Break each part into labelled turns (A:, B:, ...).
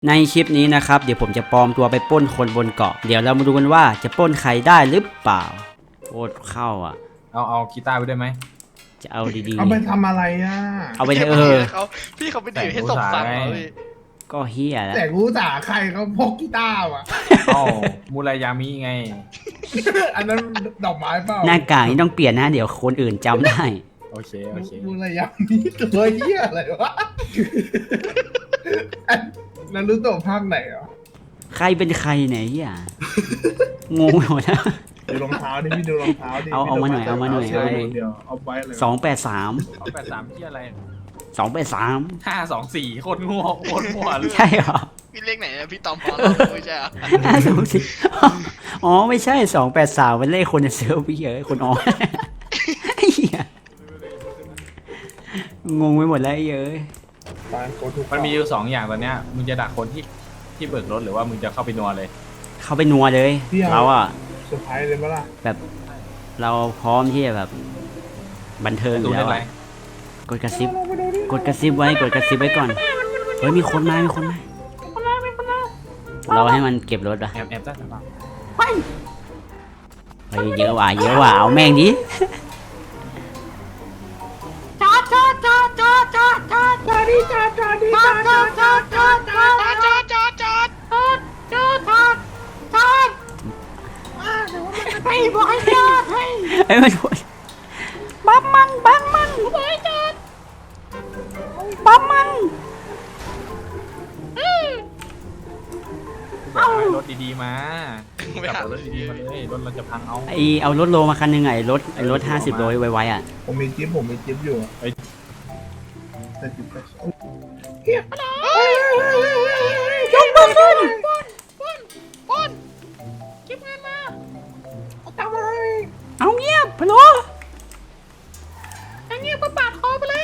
A: ในคลิปนี้นะครับเดี๋ยวผมจะปลอมตัวไปปล้นคนบนเกาะเดี๋ยวเรามาดูกันว่าจะปล้นใครได้หรือเปล่าโคตรเข้าอ่ะ
B: เอากีตาร์ไปด้วยไหม
A: จะเอาดีๆ
C: เอาไปทำอะไรอ่ะ
A: เอาไป
D: เขาพี่เขาไปดื่มให้สมฟังเหรอพี่
A: ก็เฮียแล้ว
C: แต่รู้จ่าใครเขาพกกีตาร์อ่ะ
B: มูรายามิไง
C: อันนั้นดอกไม้เปล่า
A: หน้ากากนี่ต้องเปลี่ยนนะเดี๋ยวคนอื่นจำได้
B: โอเค
C: มูระยะนี้ตัวเหี้ยอะไรวะนั้นรู้ตัวภาคไหนอ่ะ
A: ใครเป็นใครเนี่ยเฮียงงหมดแล้ว
C: ดูรองเท้าดิพี่ดูรองเท้าดิ
A: เอามาหน่อย
C: เดี๋ยวเอาไปเลย
A: 283
B: ที่อะไร
A: 283
B: 524โคตรงัวเลย
A: ใช่เหรอ
D: พี่เลขไหนนะพี่ตอมพอไม่ใช่เหรอ
A: 524อ๋อไม่ใช่283เป็นเลขคนในเซิร์ฟพี่เอ้ยคนอ๋อเฮียงงไปหมดแล้วเอ้ย
B: มันมีอยู่2อย่างตอนเนี้ยมึงจะดักคนที่เบิกรถหรือว่ามึงจะเข้าไปนัวเลย
A: เข้าไปนัวเลยเราอะ
C: เซอร์ไพรส์เลยมั้ยล่ะ
A: แบบเราพร้อมที่จะแบบบันเทิงอยู่แล้วกดกระซิบไว้ก่อนเฮ้ยมีคนมาเราให้มันเก็บรถอะ
B: แอบจ้า
A: ไปเยอะว่ะเอาแม่งดิ
C: จอดให้บอกให้จอดให้
A: มันบัมมันบอกให้จอดบัมมัน
B: เอารถดีๆมาจับรถดีๆมาเลยรถเราจะพัง
A: เอารถโลมาคันนึงไงรถ50โลไวๆอ่ะ
C: ผมมีจิ๊บอยู่แต่จิ๊บ
A: ยกมือขึ้น
D: ปนเก็บเงินมา
C: ทำอะไร
A: เอาเงียบพะโล
D: เงียบปาดคอไปเลย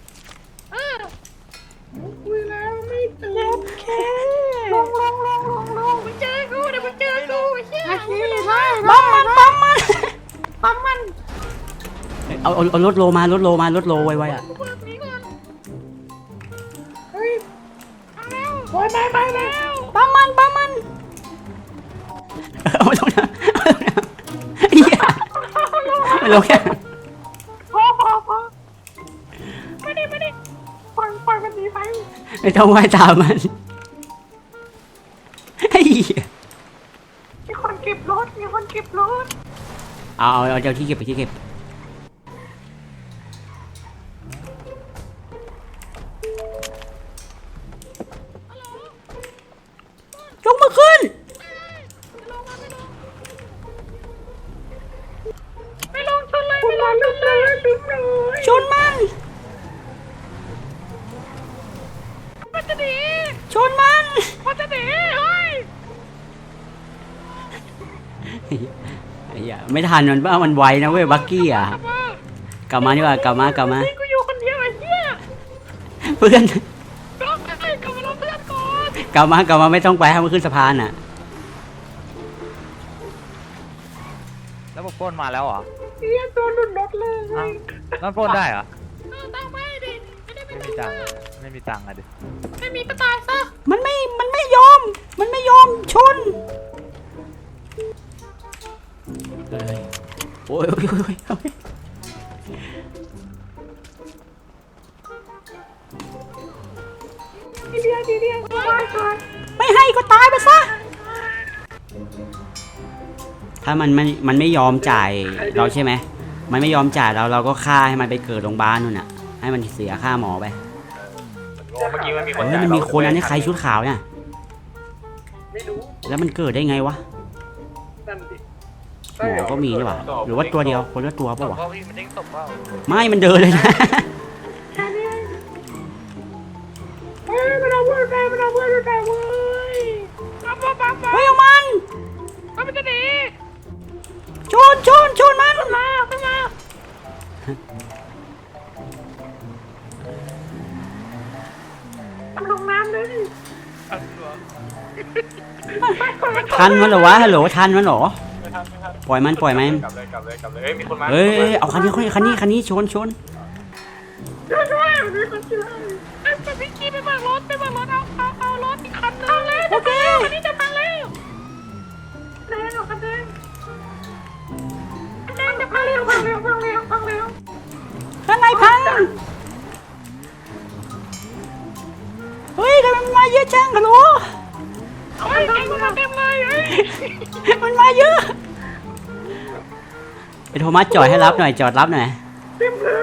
C: คุยแล้วไม่ตื่น
A: แค่
C: ลง
D: มึงเจอกูเดี๋ยวมึงเจอกูไอ้เหี้ย
A: บัมมันเอารถโลมารถโลไวๆอ่ะ
C: ไปแล้ว
A: บัมมันเอาลงนะเหี้ยไม่ลงแค่
C: พอไม่ได้ปล่อยมันหนีไป
A: ไม่ต้องไหว้ตามมัน
C: มีคนเก็บรถ
A: เอาเจ้าที่เก็บไปที่เก็บยกมือขึ้น
C: ไม่ลงชนเลย
A: ชนมัน
C: จะหนี
A: ชนมัน
C: จะหนีเฮ้ย
A: ไม่ทันมันบ้ามันไวนะเว้ยบักกี้อ่ะกลับมาดีกว่ากลับมา
C: กูอยู่คนเดียวไอ้เหี้ย
A: เพื่อน
C: กลับมาเพื่อนก่อน
A: กลับมาไม่ต้องไปให้มันขึ้นสะพานอ่ะ
E: แล้วพวกปล้นมาแล้วเหรอ
C: เหี้ยตัวหลุดรถเลย
E: แล้วปล้นได้เหรอ
C: ตั้งไม่ดิ
E: ไม่มีตังค์อะดิ
C: ไม่มีก็ตายซะ
A: มันไม่ยอมชนโอ้ย
C: ดีเดียว
A: ไม่ให้ก็ตายไปซะถ้ามันไม่ยอมจ่ายเราใช่ไหมมันไม่ยอมจ่ายเราก็ฆ่าให้มันไปเกิดโรงพยาบาลนู่นน่ะให้มันเสียค่าหมอไป
B: เมื่อกี้มันมีคน
A: มันมีคนอันนี้ใครชุดขาวเนี่ย
C: ไม่รู้
A: แล้วมันเกิดได้ไงวะหมอก็มีใช่ป่ะหรือว่าตัวเดียวคนละตัวป่ะวะไม่มันเดินเลยนะ
C: มันเอาเพื่อนไปเว้ย
A: เฮ้ยเอามัน
C: จะหนี
A: ชนมัน
C: มาลงน้ำเลย
A: ทันมันเหรอวะฮัลโหลทันมันเหรอปล่อยมัน
B: กลับเลยมีคนมา
A: เฮ้ยเอาคันนี้ชน
C: ช่วยมีคนช่วยไปพี่กี้ไปเบิกรถเอารถอีกคันนึง
A: จังฮัลโหล
C: เฮ้ยไอ้มึงมาเต็มเลยเฮ้ย
A: มันมาเยอะไอ้โทมัสจอดให้รับหน่อยจอดรับหน่อย
C: เต็มเลย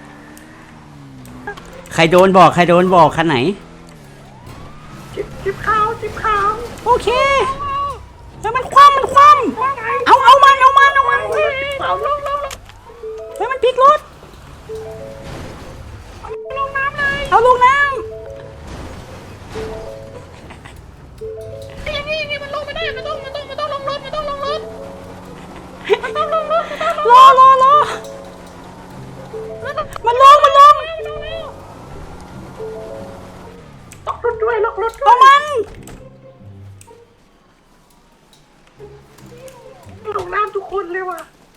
A: ใครโดนบอกคันไหน
C: จิบขาว
A: โอเคแล้วมันคว่ำเอามันเฮ้ย
C: สาวลง
A: มันพลิกรถ
C: ลงน้ำเลย
A: เอาลงน้
D: ไอ้ยังนี่มันลงไม่ได้มันต้องลงรถมันต้องลงรถ
A: ำรอมันลง
C: ล็อกรถด้วย
A: เอามัน
C: ลงน้ำทุกคนเลยว่ะ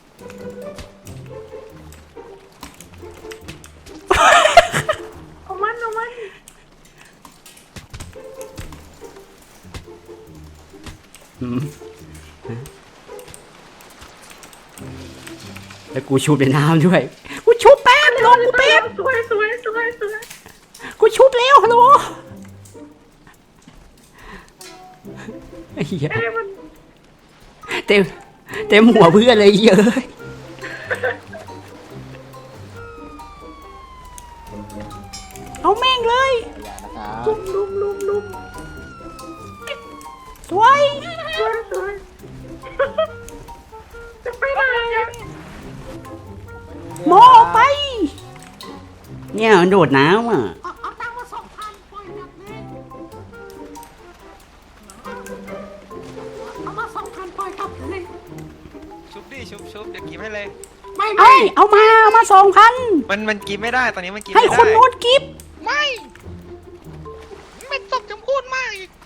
C: เอามัน
A: แล้วกูชุบในน้ำด้วยกูชุบแป๊บลงกูแป๊บ
C: สวย
A: กูชุบเร็วฮัลโหลไอ้เหี้ย
C: เอ้ยมัน
A: เต็มหัวเพื่อนเลยเยอะเอาแม่งเลย
C: ลุม
A: สวย
C: สวยจะไปไหนอะ
A: หมอออกไป เนี่ยมันโดดน้ำอ่ะ
D: เอาตังค์มา2,000ปล่อยแบบนี้เอามา2,000ปล่อยกลับเลย
F: ชุบดิชุบเดี๋ยวกิฟให้เลย
A: เอามา2,000
F: มันกิฟไม่ได้ตอนนี้มันกิฟ
A: ให้
F: ไม่ได้
A: คนโน้นกิฟต์
D: ไม่ตบจำพูดมากอีก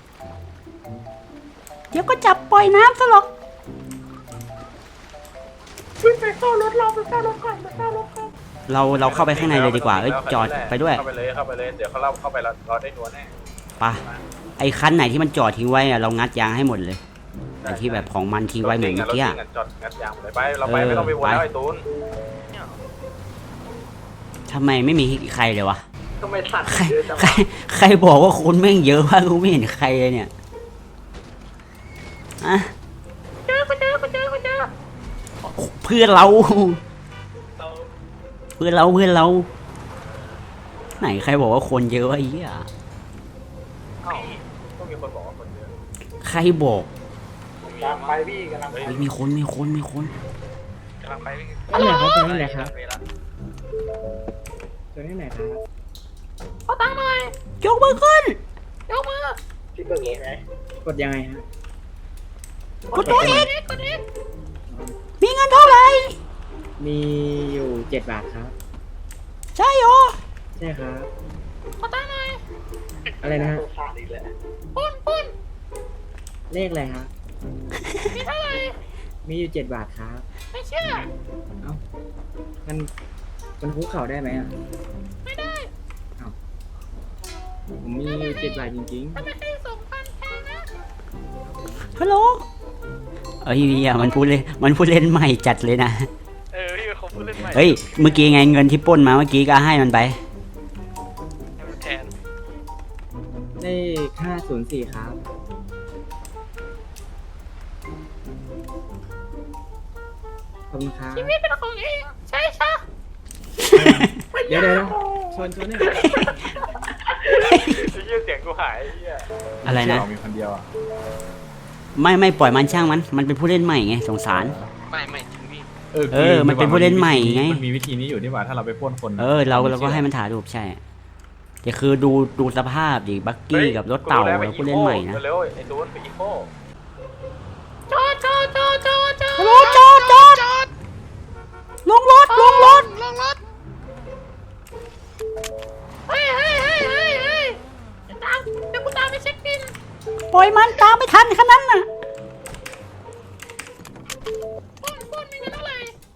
A: เดี๋ยวก็จับปล่อยน้ำซะหรอก
C: วิ่งไปเข้ารถก่อน
A: เราเข้าไปข้างในเลยดีกว่าจอดไปด้วย
B: เข้าไปเลยเดี๋ยวเขาเล่าเข้าไปเราได้นัวแน่
A: ไปไอ้คันไหนที่มันจอดทิ้งไว้อะเรางัดยางให้หมดเลยไอ้ที่แบบของมันทิ้งไว้เหมือนเมื่อกี้อะ
B: จอดงัดยางเลยไปเราไปไม่ต้องไปวนแล้วไอ้ตูน
A: ทำไมไม่มีใครเลยวะ
C: ทำไมสัตว์
A: ใคร
C: เยอะจัง
A: ใครบอกว่าคนแม่งเยอะวะกูไม่เห็นใครเลยเนี่ยอะ
C: เจอ
A: เพื่อนเราไหนใครบอกว่าคนเยอะวะไอ้เหี้ย
B: ก็มีคนบอกว่าคนเยอะ
A: ใครบอก
C: กำลังไปพี่กำลังไป
A: เฮ้ยมีคน
F: กำลังไปวิ่ง
C: นี่ไหนครับตัวนี้ไหนครับ
D: เอาตังค์หน่อย
A: ยกมือขึ้น
D: ยกมือ
C: พี่เปิดเองไหมกดยังไงฮะ
A: กดตัวเอง
D: กดเอ็ก
A: มีเงินเท่าไหร่
C: มีอยู่7 บาทครับ
A: ใช่เหรอ
C: ใช่ครับ
D: เอาตังค์หน่อย
C: อะไรนะฮะ
D: ปุ้น
C: เลขอะไรครับ
D: มีเท่าไหร่
C: มีอยู่7 บาทครับ
D: ไม่เชื่อ
C: เอ้ามันคุกเข่าได้ไหมอ่ะ
D: ไม่ได้
C: ผมมีอยู่7 บาทจริง
D: ทำไมให้2,000แพงนะ
A: ฮัลโหลเอ้ยเหี้ยมันพูดเล่นใหม่จัดเลยนะ
F: พี่เขาพูดเล่นใหม่
A: เฮ้ยเมื่อกี้ไงเงินที่ปล้นมาเมื่อกี้ก็ให้มันไป
F: ให้มันแทน
C: ๆ เลข504 ครับ ขอบคุณครับ
D: ชีวิตเป็นของเองใช่
C: เดี๋ยวชนนี่
B: ไอ้เหี้ยเสียงกูหายไอ้เหี้ย
A: อะไรนะ
B: มีคนเดียวอ่ะ
A: ไม่ปล่อยมันช่างมันเป็นผู้เล่นใหม่ไงสงสาร
F: ไม่จริงพี่
A: มันเป็นผู้เล่นใหม่ไง
B: มันมีวิธีนี้อยู่นี่หว่าถ้าเราไปพ่นคน
A: เราก็ให้มันถ่ายรูปใช่แต่คือดูสภาพดิบักกี้กับรถเต่าเราผู้เล่นใหม่นะ
B: เร็วไอ้ตูนไปอีโค
D: จอด
A: ฮัลโหลจอดลงรถ
D: ลงรถเฮ้ยเดี๋ยวกูตามไปเช็คบิน
A: ปล่อยมันตามไม่ทันขนาดนั้นน่ะ
D: ปุ้นมีเงินเท่าไหร่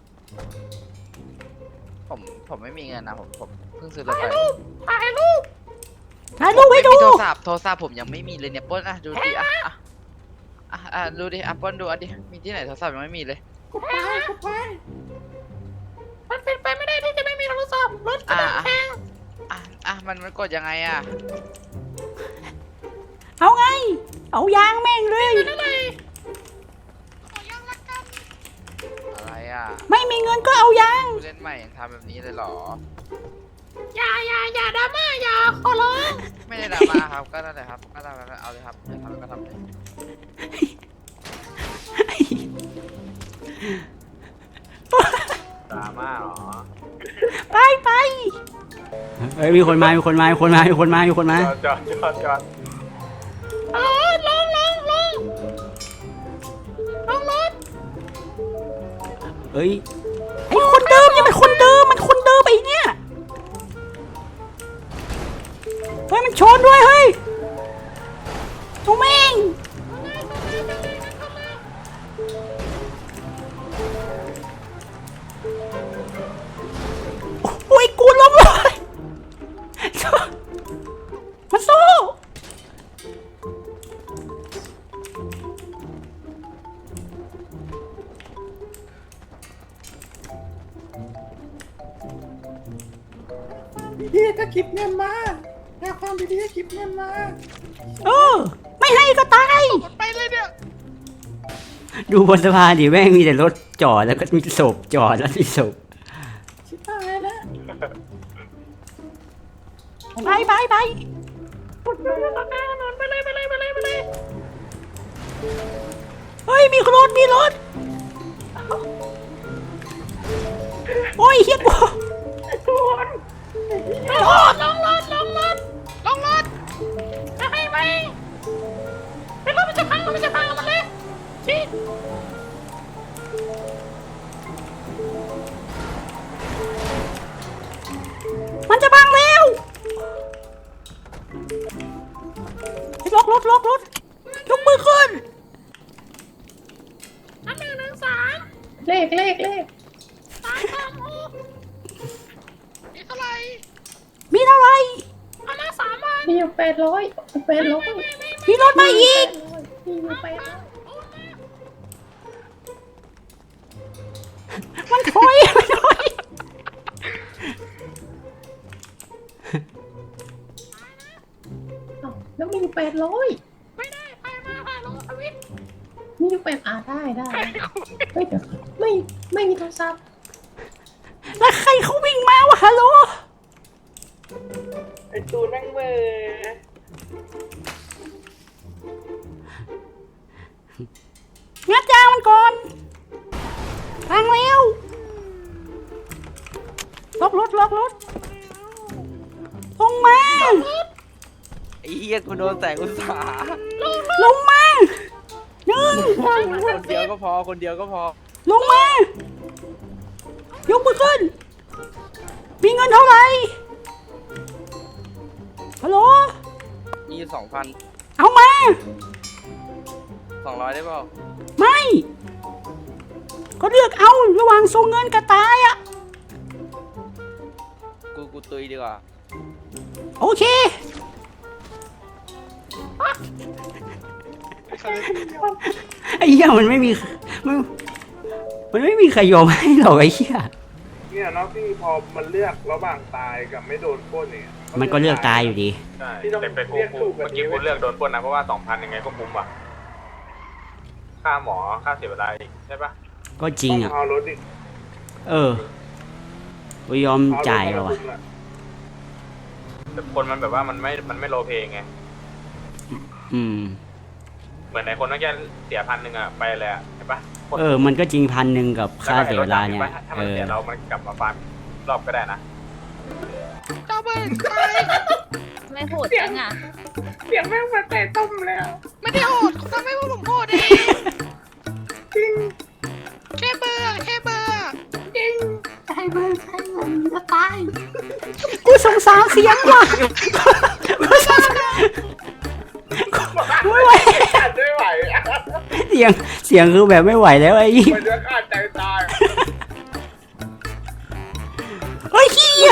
G: ผมไม่มีเงินนะผมเพิ่งซื้อรถ
D: ถ่าย
G: ไป
D: รูปถ่ายรูป
A: ถ่ายรูปให้ดู
G: ไม่มีโทรศัพท์ผมยังไม่มีเลยเนี่ยปล้นดูดิดูดิปล้นดูดิมีที่ไหนโทรศัพท์ยังไม่มีเลย
D: กดไปมันเป็นไปไม่ได้ที่จะไม่มีโทรศัพท์รถกระบะแพง
G: มันกดยังไง
A: เอายางแม่งเลย
G: อะไรอ่ะ
A: ไม่มีเงินก็เอายาง
G: ผู้เล่นใหม่ยังทำแบบนี้เลยเหรอ
D: อย่าดราม่าอย่าขอร้อง
G: ไม่ได้ดราม่าครับ ก็นั่นแหละครับ ก็ทำเอาเลยครับจะทำก็ทำเลย
B: ดราม่าเหรอ
A: ไปเฮ้ยมีคนมา
B: จอด
D: ลงรถ
A: เฮ้ยไอ้คนเดิมยังเป็นคนเดิมมันคนเดิมไอ้เนี่ยเฮ้ยมันชนด้วยเฮ้ยทุเมงโอ้ยกูล้มเลยมันสู้
C: ดีๆก็คิดเงินมาแค่ความดีๆก็คิดเงินมา
A: ไม่ให้ก็ตาย
D: ไปเลยเนี่ย
A: ดูบนสะพานดิแม่งมีแต่รถจอดแล้วก็มีศพจอดแล้วมีศพ
C: ชิบหายแล้ว
A: ไป
D: ไปเลย
A: เฮ้ยมีรถโอ้ยเฮียกู
D: ลงรถจะให้ไปเป็นรถมันจะพังมันเลยชี้
A: มันจะบังแล้วล็อกยกมือขึ้น
D: 1 3
C: เลข
D: 3 6นี่เท่าไหร่
A: มีเท่าไหร่
D: เอามา3 วัน
C: มีอยู่800
A: มีรถมาอีก
C: มีอยู่800
A: มันถอย
C: อ้าวแล้วมีอยู่800
D: ไม่ได้ไปมาลงทวิต
C: มีอยู่ได้เฮ้ยเดี๋ยวไม่มีโทรศัพท์
A: แล้วใครเขาวิ่งมาวะฮัลโหล
C: ไอ้ตูนนั่งเบอร์
A: งัดยางมันก่อนพังแล้วล็อกรถลงมา
E: ไอ้เหี้ยกูโดนแสงอุตสาห์
A: ลงมาหนึ่ง
E: คนเดียวก็พอ
A: ลงมา ยกมือขึ้น มีเงินเท่าไหร่ฮัลโหล
E: มี 2,000
A: เอามา
E: 200ได้เปล่า
A: ไม่ ก็เลือกเอาระหว่างส่งเงินกับตายอะ
E: กูตุยดีกว่า
A: โอเค ไอ้เหี้ยมันไม่มีใครยอมให้หรอกไอ้เหี้ย
H: เนี่ยเนาะพี่พอมันเลือกระหว่างตายกับไม่โดนปล้นเนี่ย
A: มันก็เลือกตายอยู่ดี
B: ใช่
H: พี่ต้อง
B: แต่กู
H: เรียกถูก
B: เมื่อกี้
H: แบบนี้
B: กูเลือกโดนปล้นนะเพราะว่า 2,000ยังไงก็คุ้มอ่ะค่าหมอค่าเสียเวลาอีกใช่ปะ
A: ก็จริงอ่ะ
H: เอารถดิ
A: กูยอมจ่ายแล้ววะ
B: แต่คนมันแบบว่ามันไม่โลเพไง เหมือนไหนคนเมื่อกี้เสีย1,000อ่ะไปเลยอ่ะเห็นปะคน
A: มันก็จริง1,000กับค่าเสียเวลาเนี่ย
B: ถ้ามันเสียเรามันกลับมาฟาร์มรอบก็ได้นะ
D: เจ้าเบิร์นไป
I: ไม่โหดจังอ่ะ
C: เสียงแม่งมาแต่ต้มแล้ว
D: ไม่ได้โหดเขาทำให้พวกผมโหดเอง
C: จริง
D: แค่เบื่อ
C: จริงใช้เงินจะตาย
A: กูสงสารเสียงว่ะกูสงสารไม่ไหว
H: ขาดไม่ไหวอะ
A: เสียงคือแบบไม่ไหวแล้วไอ้ยี่
H: มันจะขาดใจตาย
A: เฮ้ยเฮีย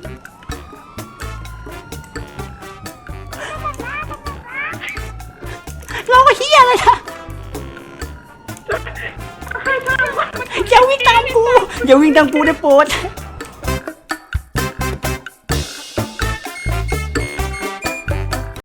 A: เราก็เฮียเลยนะอย่าวิ่งตามกูได้โปรด